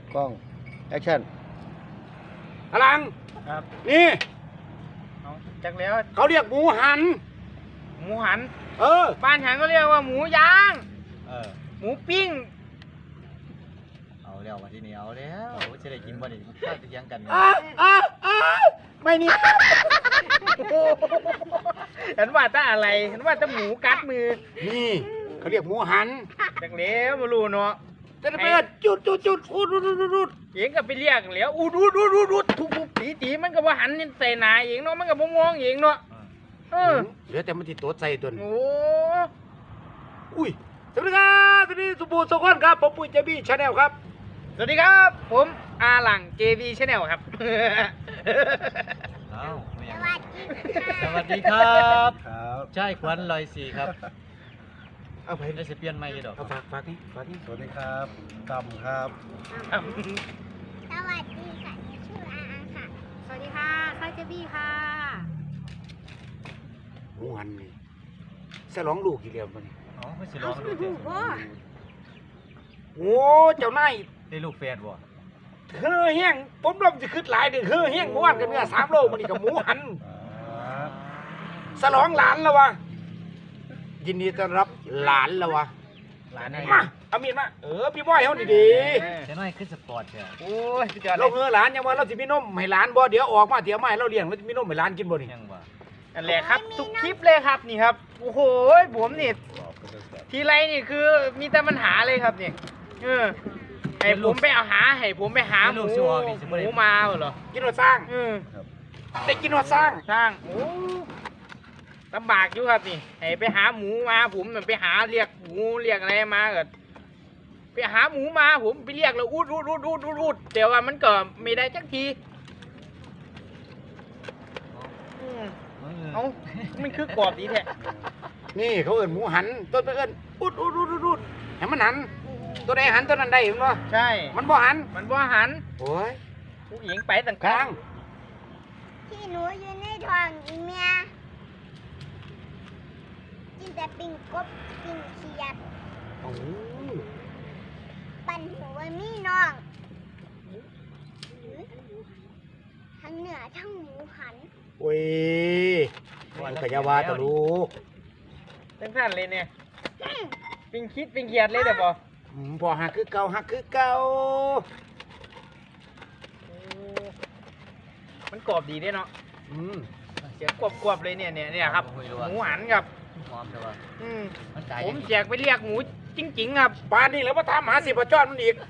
กล้องแอคชั่นพลังครับนี่เอาจักแล้วเขาเรียกหมูหันหมูหันเออบ้านฉันก็เรียกว่าหมูย่าง หมูปิ้งเอาแล้ววันที่นี้เอาแล้วจะได้กินบ่นี่ข้าวจะยังกันเนี่ยไม่นี่ฉันว่าถ้าอะไรฉันว่าถ้าหมูกัดมือนี่เขาเรียกหมูหันจักแล้วมารู้เนาะจะได้เปิดจุดอุดเองก็ไปเรียกแล้วอูดทุบตีมันก็ว่าหันใส่หนาเองเนาะมันก็บ่มองเองเนาะเหลือแต่มันติดตัวใจตัวนี้โอ้อุ้ยสวัสดีครับสวัสดีสุบูรณ์สกุลครับผมปุ้ยเจบี้ชาแนลครับสวัสดีครับผมอาหลัง JB Channel ครับเอาไม่ยังสวัสดีครับใช่ควันลอยสีครับเอาไปได้จะเปลี่ยนไม่กี่ดอกเอาฝากนี่สวัสดีครับกำครับสวัสดีค่ะชื่ออาค่ะ สวัสดีค่ะไซเจบี้ค่ะหมูหันนี่สลองลูกกี่เดียวมันนี่อ๋อไม่ใช่ร้องดูโอ้เจ้านายได้ลูกแฟนบ่เฮ้อแห้งผมลมจะขึ้นหลายเดือนเฮ้อแห้งเมื่อวานกันเนื้อ3 โลมันนี่กับหมูหันสลองหลานแล้ววะยินดีต้อนรับหลานแล้ววะหลานมาเอามีดมาพี่บอยเขาดีเจ้าน้อยขึ้นสปอร์ตเถอะโอ้ยสุดยอดๆเลเรายเฮ้อหลานยังว่าเราจะมีนมให้หลานบ่เดี๋ยวออกมาเดี๋ยวมาให้เราเลี้ยงเราจะมีนมให้หลานกินบ่นี่ยังบ่นั่นแหละครับทุกคลิปเลยครับนี่ครับโอ้โหผมนี่ทีไรนี่คือมีแต่ปัญหาเลยครับนี่ให้ผมไปเอาให้ผมไปหาหมูมาเหรอกินหัวสร้างได้กินหัวสร้างสร้างโอ้ลำบากอยู่ครับนี่ให้ไปหาหมูมาผมไปหาเรียกหมูเรียกอะไรมาเกิดไปหาหมูมาผมไปเรียกแล้วอูดแต่ว่ามันก็ไม่ได้จักทีเอ้ามันคือกรอบดีแท้นี่เขาเอิ้นหมูหันต้นไปเอิ้นอุดให้มันหันตัวใดหันตัวนั้นได้เห็นบ่ใช่มันบ่หันมันว่าหันโอ้ยผู้หญิงไปต่างกลางที่หนูอยู่ในท้องอีเมียกินแต่ปิ้งกบปิ้งเขียดโอ้ยปั่นหัวมีน้องทั้งเหนือทั้งหมูหันโอ้ยมันกะยาวาตะลูกทั้งท่านเลยเนี่ยปิงคิดปิงเขียดเลยเดี๋ยวบอกพอหักคือเก่าหักคือเก่ามันกรอบดีด้วยเนาะ เสียงกรอบเลยเนี่ยครับหมูหันครับหอมใช่ป่ะผมแจกไปเรียกหมูจริงๆครับป่านนี้แล้วมาทำหาสิบจอดมันอีก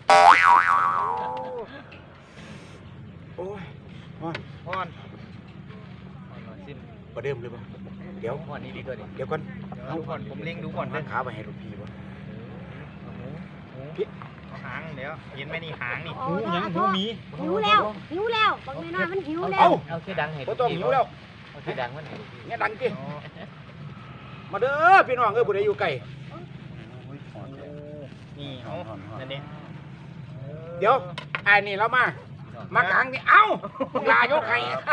โอ้ยพอนสิ้นประเดิมเลยป่ะเดี๋ยววันนี้ดีกว่าดิเดี๋ยวก่อนดูก่อนผมเล็งดูก่อนนั่งขาไปให้ลูกพี่วะหมูเอาหางเดี๋ยวเห็นไหมนี่หางนี่หูยังหูมีหิวแล้วบางทีน้อยมันหิวแล้วเอาแค่ดังให้บ่ต้องหิวแล้วเอาแค่ดังมันให้เนี่ยดังจิมาเด้อพี่น้องผู้ใดอยู่ไกลนี่เอานั่นเองเดี๋ยวไอ้นี่เรามากลางนี่เอ้าลายกให้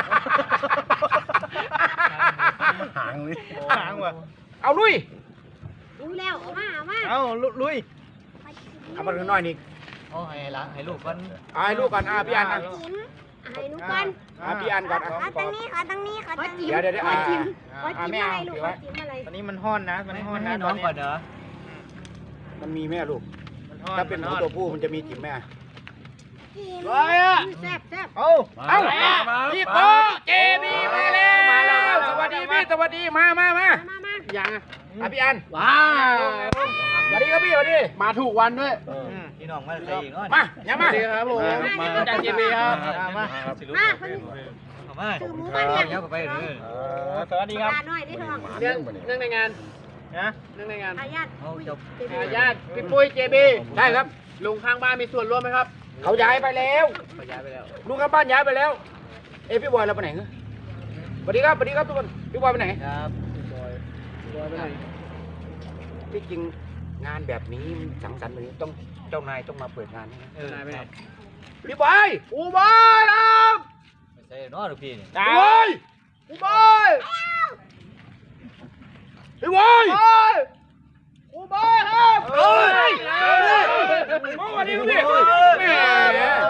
หางเลยหางว่ะเอาลุยหิวแล้วเอามาเอาลุยเอามาหน่อยนี่เอาให้ล้างให้ลูกก่อนเอาให้ลูกก่อนพี่อันนะจิ้มให้หนูก่อนพี่อันก่อนขอตั้งนี้ขอตั้งนี้ขอตั้งนี้เดี๋ยวขอจิ้มไม่อะไรเอาลูกถือขอไว้จิ้มอะไรตอนนี้มันห้อนนะมันห้อนนะให้น้องก่อนเด้อมันมีแม่ลูกมันห้อนถ้าเป็นหมูตัวผู้มันจะมีจิ๋มแม่จิ้มอะไรอ่ะแซ่บเอาพี่โกเจบีมาแล้วสวัสดีพี่สวัสดีมามายังพี่อันว้าวสวัสดีครับพี่สวัสดีมาถูกวันด้วยพี่น้องมาใส่อีกเนาะมาอย่ามาสวัสดีครับผมจากเจบีครับมามาคนมาถือหมูมาเนี่ยเดี๋ยวไปเลยสวัสดีครับปลาหน่อยได้ทองเรื่องในงานนะเรื่องในงานอาญาตเอาจบญาติพี่ปุ้ยเจบีได้ครับลุงข้างบ้านมีส่วนร่วมไหมครับเขาย้ายไปแล้วย้ายไปแล้วลุงกับบ้านย้ายไปแล้วพี่บอยเราไปไหนเนอะสวัสดีครับทุกคนพี่บอยไปไหนครับที่จริงงานแบบนี้สังสรรค์แบบนี้ต้องเจ้านายต้องมาเปิดงานนะนายไปไหนพี่บอยอูบอยครับไม่ใช่เนาะลูกพี่นี่พี่บอยพี่บอยพี่บอยอูบอยครับเฮ้ยสวัสดีพี่แม่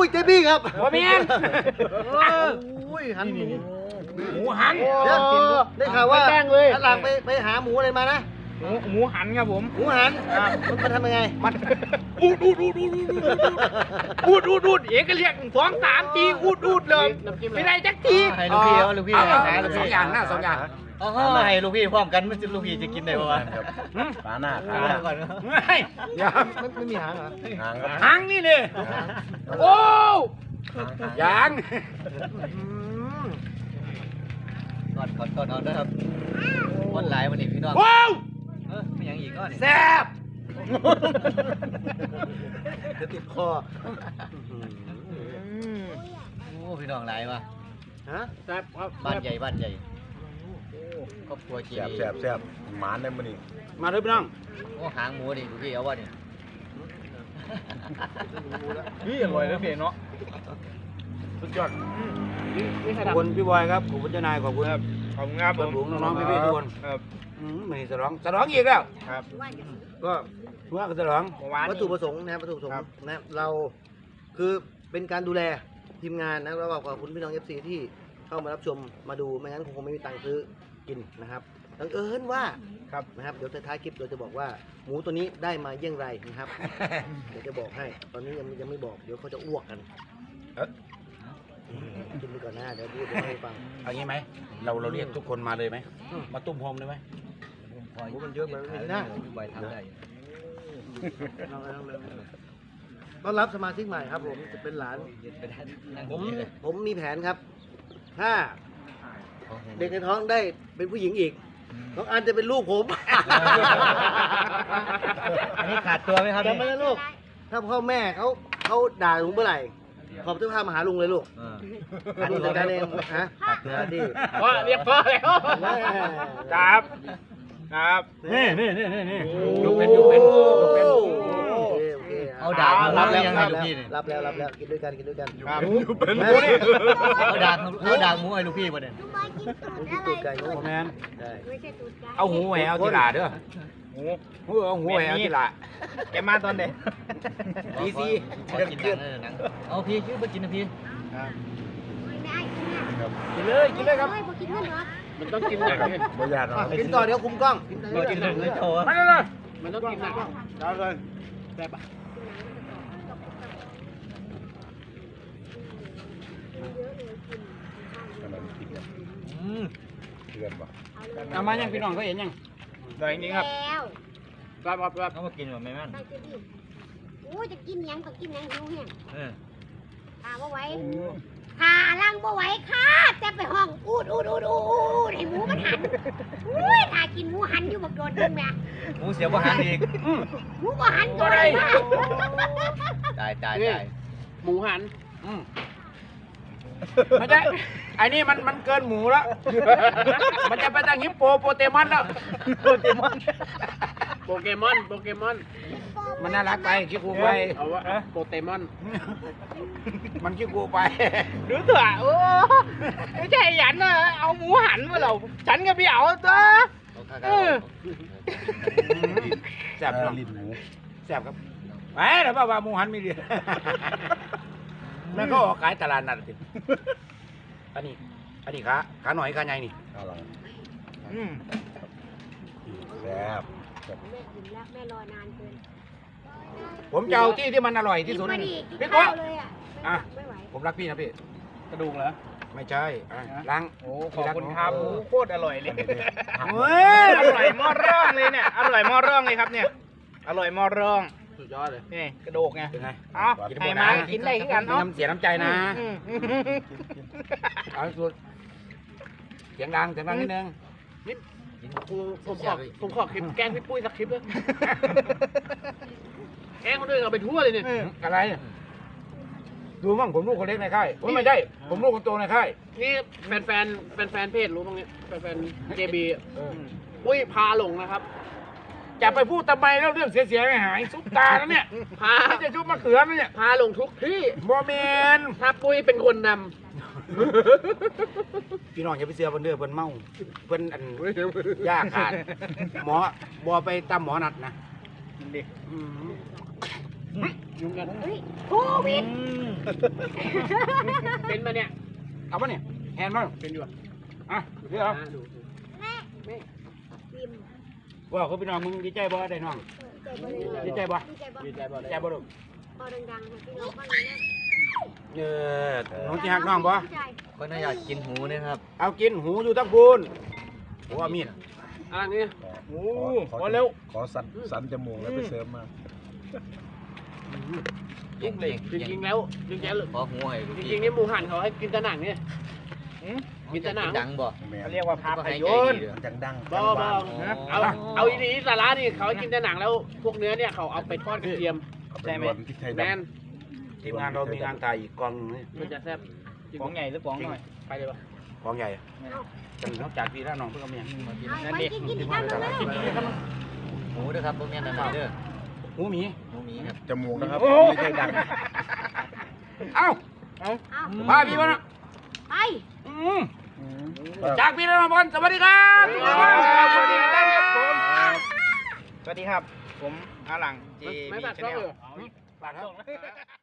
เจบี้ครับบ่แม่นอุ้ยหันหมูหมูหันเดี๋ยวได้ข่าวว่าแป้งเลยอันหลังไปหาหมูอะไรมานะหมูหันครับผมหมูหันมันทำยังไงมันอูดเอกก็เรียก2-3 ทีอูดเลยไม่ได้จักทีให้ลูกพี่เอาลูกพี่เอาหาลูกสอพี่งอย่างนะสองอย่างเอาให้ลูกพี่พร้อมกันมันจะลูกพี่จะกินได้ป่าวะขาหน้าขาหาก่อนไม่ยังไม่มีหางเหรอหางครับหางนี่เนี่ยโอ้ยังก่อนเอานะครับคนหลายวันนี้พี่น้องว้าวไม่ยังอีกก็นี่แซ่บเดี๋ยวติดคอโอ้พี่น้องหลายว่ะฮะแซ่บครับบ้านใหญ่ครอบครัวเจแซ่บหมานได้มื้อนี้มาเลยพี่น้องโอ้หางหมูดิลูกพี่เอาวะนี่นี่อร่อยนะเพียเนาะสุดยอดนี่ขอบคุณพี่บอยครับขอบคุณเจ้านายขอบคุณครับขอบคุณครับเพื่อนฝูงน้องๆพี่ๆทุกคนครับไม่ฉลองอีกแล้วครับก็ว่ากันฉลองเมื่อวานวัตถุประสงค์นะครับวัตถุประสงค์นะเราคือเป็นการดูแลทีมงานนะแล้วก็ขอบคุณพี่น้อง FC ที่เข้ามารับชมมาดูไม่งั้นคงไม่มีตังค์ซื้อกินนะครับบังเอิญว่าครับนะครับเดี๋ยวท้ายคลิปเราจะบอกว่าหมูตัวนี้ได้มาเยี่ยงไรนะครับ เดี๋ยวจะบอกให้ตอนนี้ยังไม่บอกเดี๋ยวเขาจะอ้วกกันเอ๊ะกินไปก่อนนะเดี๋ยวพูดให้ฟังเอางี้ไหมเราเรียกทุกคนมาเลยไหมมาตุ้มโฮมเลยไหมหมูมันเยอะมันไม่ได้พี่บอยทำได้ต้อนรับสมาชิกใหม่ครับผมจะเป็นหลาน ผมมีแผนครับ ถ้าเด็กในท้องได้เป็นผู้หญิงอีกน้องอันจะเป็นลูกผมอันนี้ขาดตัวไหมครับจำไว้นะลูก ถ้าพ่อแม่เขาด่าลุงเมื่อไหร่ ขอบเสื้อผ้ามาหาลุงเลยลูกลุงจัดการเองฮะขาดตัวดีพ่อเรียกพ่อแล้ว ครับครับนี่โอ้ลูกเป็นลูกเป็นโอเคเอาดาบมารับแล้แล้ว วยังไงลูกพี่นี่รับแล้วกินด้วยกันครับแม่เอาดาบหมูให้ลูกพี่ป่ะเนี่ยลุงกินตูดไก่โอ้โง่แมนได้ไม่ใช่ตูดไก่เอาหูแหววที่หลาเด้อหมูเอาหูแหววที่หลาแกมาตอนไหนดีซีขอกินหนังเอาพี่ชื่อไปกินนะพี่ไม่ได้กินนะกินเลยครับเฮ้ยพอกินนั่นเหรอมันต้องกินแบบนี้บ่ยากหรอกกินต่อเดี๋ยวคุมกล้องกินไปกินหนังเลยโชว์มาเลยมันต้องกินหนักเอาเลยแซ่บอ่ะเดือนบ่เอามายังพี่น้องเขาเห็นยังเดี๋ยวนี้ครับแล้วครับเขามากินแบบไม่แม่นใส่เจดีโอ้ยจะกินหยังก็กินหยังหิวแห้งขาบ่ไหวขาล่างบ่ไหวค่ะแต่ไปห้องอูดให้หมูมันหันอุ้ยถ้ากินหมูหันอยู่บักโดนนึงแม่หมูเสียบอาหารอีกหมูบ่หันก็ได้นะตายหมูหันไม่ใช่ไอ้นี่มันเกินหมูแล้ว มันจะไปตั้งฮิปโปโปเตมอนแล้วโปเกมอนมันน่ารักไปคิดกูไปเอาวะโปเกมอนมันคิดกูไปหรือเถอะโอ้ไม่ใช่หยันนะเอาหมูหันมาเราฉันก็พี่เอาตัวแซ่บเนาะลิ้นหมูแซ่บครับไปเดี๋ยวว่าหมูหันมีเดียแล้วก็ขายตลาดนัดสิอันนี้ขาหน่อยขาใหญ่นี่เอาล่ะแซ่บแม่กินแล้วแม่รอนานเกินผมจะเอาที่มันอร่อยที่สุดกินนี่กินพี่โก้ข้าวเลยอ่ะอ่ะไม่ไหวผมรักพี่นะพี่กระดูกเหรอไม่ใช่ล้างโอ้ขอบคุณครับหมูโคตรอร่อยเลยเฮ้ยอร่อยหม้อร่องเลยเนี่ยอร่อยหม้อร่องเลยครับเนี่ยอร่อยหม้อร่องสุดยอดเลยนี่กระดูกไงเป็นไงเอาให้มากินได้ขึ้นกันมีเนาะน้ำเสียน้ำใจนะเอาสุดเสียงดังนิดนึงผมขอคลิปแกล้งพี่ปุ้ยสักคลิปเลยแกล้งคนอื่นเอาไปทั่วเลยเนี่ยอะไรดูมั่งผมลูกคนเล็กในค่ายไม่ใช่ผมลูกคนโตในค่ายนี่แฟนเพจรู้บ้างเนี่ยแฟนเจบีอุ้ยพาหลงนะครับจะไปพูดทำไมแล้วเรื่องเสียไม่หายซุปตาแล้วเนี่ยพาไม่จะชุบมะเขือแล้วเนี่ยพาหลงทุกที่บอเมนถ้าปุ้ยเป็นคนนพี่น้องอย่าไปเสียเพิ่นเด้อเพิ่นเมาเพิ่นอันยากขาดหมอบอไปตามหมอนัดนะดิอืมยุ่งกันเฮ้ยโควิดเป็นมาเนี่ยเอาปะเนี่ยแฮนด์บ้างเป็นอยู่อ่ะอ่ะเดี๋ยวเอาดูฟิล์มว่าเขาพี่น้องมึงดีใจบ่ได้น้องดีใจบ่ดีใจบ่ดีใจบ่ดีใจบ่ลูกพอดังๆให้พี่น้องฟังหน่อยนะน้องที่หักน้องบ่ก็น่าอยากกินหูนะครับเอากินหูอยู่ทั้งพูนหัวมีดอะไรนี่โอ้ขอพอเร็วขอสันจมูกแล้วไปเสริมมาจริงเลยจริงๆแล้วจริงๆขอหูให้ลูกจพี่ริงๆนี่หมูหันเขาให้กินแต่หนังเนี่ย กินแต่หนังดังบ่แม่เขาเรียกว่าภาพก็ให้ยใจนตดีร์เด้อมันจังดังบ่จังหวานเอาอีนี้สาระนี่เขาให้กินแต่หนังแล้วพวกเนื้อเนี่ยเขาเอาไปทอดกระเทียมเอาไปรวนพริกไทยแมดำนทีมงานเรามีงานถ่ายอีกกองหนึงนี่มันจะแซ่บป๋องใหญ่หรือป๋องน้อยไปเลยปะกองใหญ่จังนอกจากพี่แล้วน้องเพิ่งเอาเมียเอาไปกินอีกคำหนึงเลยหูเด้อครับพวกนี้นั่นเด้อหูหมีหูหมีครับจมูกนะครับโอ้ไม่ใช่ดังเอ้าเอาพาพี่มานะไปจากพี่แล้วน้องบอลสวัสดีครับสวัสดีครับผมสวัสดีครับ ผมอาหลังจีไม่มีตัดชาก็แนลเลยฝากครับ